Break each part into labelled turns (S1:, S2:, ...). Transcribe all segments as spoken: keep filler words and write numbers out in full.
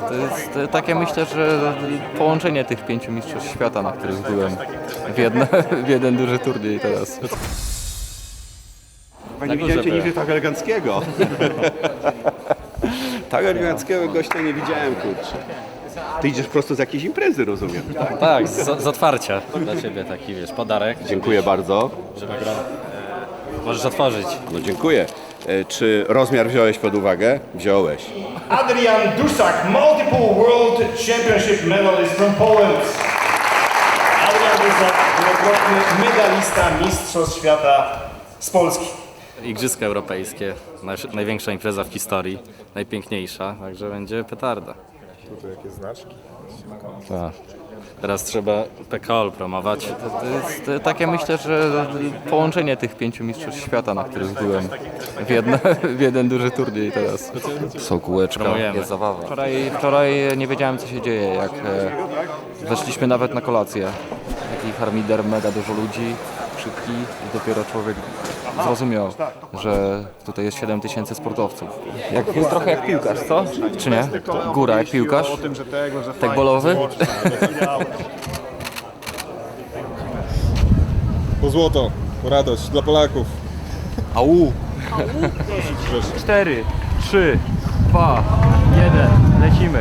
S1: To jest takie, myślę, że połączenie tych pięciu mistrzostw świata, na których byłem w, jedno, w jeden duży turniej teraz.
S2: Chyba nie widziałem cię nigdy tak eleganckiego. Tak eleganckiego gościa nie widziałem, kurczę. Ty idziesz prosto z jakiejś imprezy, rozumiem.
S3: Tak, z, z otwarcia dla Ciebie taki, wiesz, podarek.
S2: Dziękuję bardzo.
S3: Żeby gra... Możesz otworzyć.
S2: No dziękuję. E, Czy rozmiar wziąłeś pod uwagę? Wziąłeś.
S4: Adrian Dusak, multiple World Championship medalist from Poland. Adrian Dusak, wielokrotny medalista Mistrzostw Świata z Polski.
S3: Igrzyska Europejskie, nasz, największa impreza w historii, najpiękniejsza, także będzie petarda.
S5: Tutaj jakieś znaczki.
S3: Tak. Teraz trzeba P K O L promować.
S1: To jest takie, myślę, że połączenie tych pięciu mistrzostw świata, na których byłem w, jedno, w jeden duży turniej teraz. Są kółeczka,
S3: Promujemy.
S1: jest zabawa. Wczoraj, wczoraj nie wiedziałem, co się dzieje, jak e, weszliśmy nawet na kolację. Taki harmider, mega dużo ludzi, krzyki i dopiero człowiek zrozumiał, że tutaj jest siedem tysięcy sportowców. Jak, trochę jak piłkarz, co? Czy nie? Góra jak piłkarz? Tak bolowy?
S5: Po złoto, po radość dla Polaków.
S1: Au! cztery, trzy, dwa, jeden, lecimy.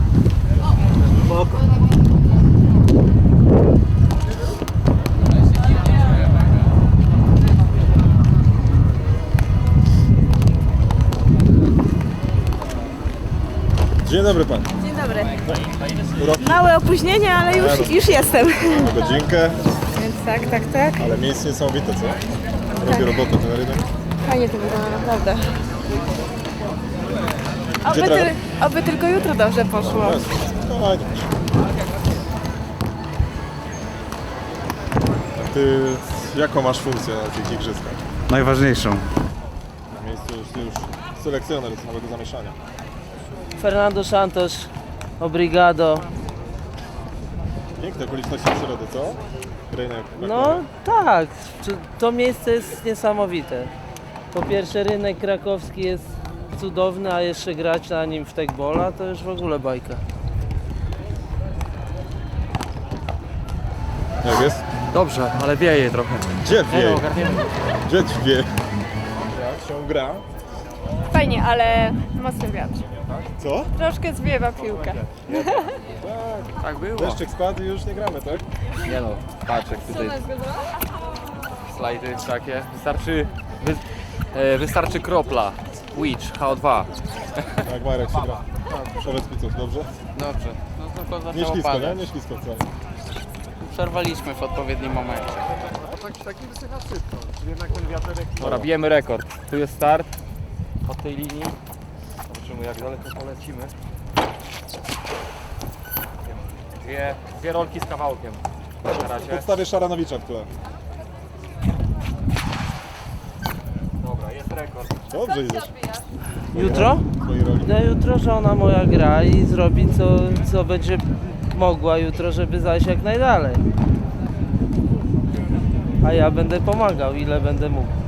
S5: Dzień dobry pan.
S6: Dzień dobry. Małe opóźnienie, ale już, już jestem.
S5: Godzinkę,
S6: Więc tak, tak, tak.
S5: ale miejsce niesamowite, co? Robi robotę ten rynek.
S6: Fajnie to wygląda, naprawdę. Oby,
S5: Gdzie
S6: ty,
S5: tra-
S6: oby tylko jutro dobrze poszło.
S5: No, fajnie. Ty jaką masz funkcję na tych igrzyskach?
S7: Najważniejszą.
S5: Na miejscu już, ty już selekcjoner z nowego zamieszania.
S8: Fernando Santos, obrigado.
S5: Piękne okoliczności przyrody, co? Rynek.
S8: No tak, to- to miejsce jest niesamowite. Po pierwsze rynek krakowski jest cudowny, a jeszcze grać na nim w tekbola to już w ogóle bajka.
S5: Jak jest?
S1: Dobrze, ale wieje trochę.
S5: Gdzie wie?
S1: ogarniemy.
S5: Gdzie wie? Jak się gra?
S6: Fajnie, ale mocny wiatr.
S5: Co?
S6: Troszkę zwiewa piłkę.
S1: Tak było.
S5: Deszczyk spadł i już nie gramy, tak?
S1: Nie no, patrz jak tutaj slajdy takie. Wystarczy, wy, e, wystarczy kropla. Witch, H O dwa.
S5: Jak Marek się gra. Powiedz mi coś, dobrze?
S9: Dobrze, no tylko
S5: Nie
S9: zaczęło
S5: ślisko, nie?
S9: padać.
S5: Nie ślisko wcale.
S9: Przerwaliśmy w odpowiednim momencie.
S1: Dobra, bijemy rekord. Tu jest start. Od tej linii. Zobaczymy jak daleko polecimy. Dwie, dwie rolki z kawałkiem. Na razie.
S5: Podstawię Szaranowicza w tle.
S1: Dobra, jest rekord.
S5: Dobrze idziesz.
S8: Jutro?
S5: W twojej roli.
S8: No jutro żona moja gra i zrobi co, co będzie mogła jutro, żeby zajść jak najdalej. A ja będę pomagał, ile będę mógł.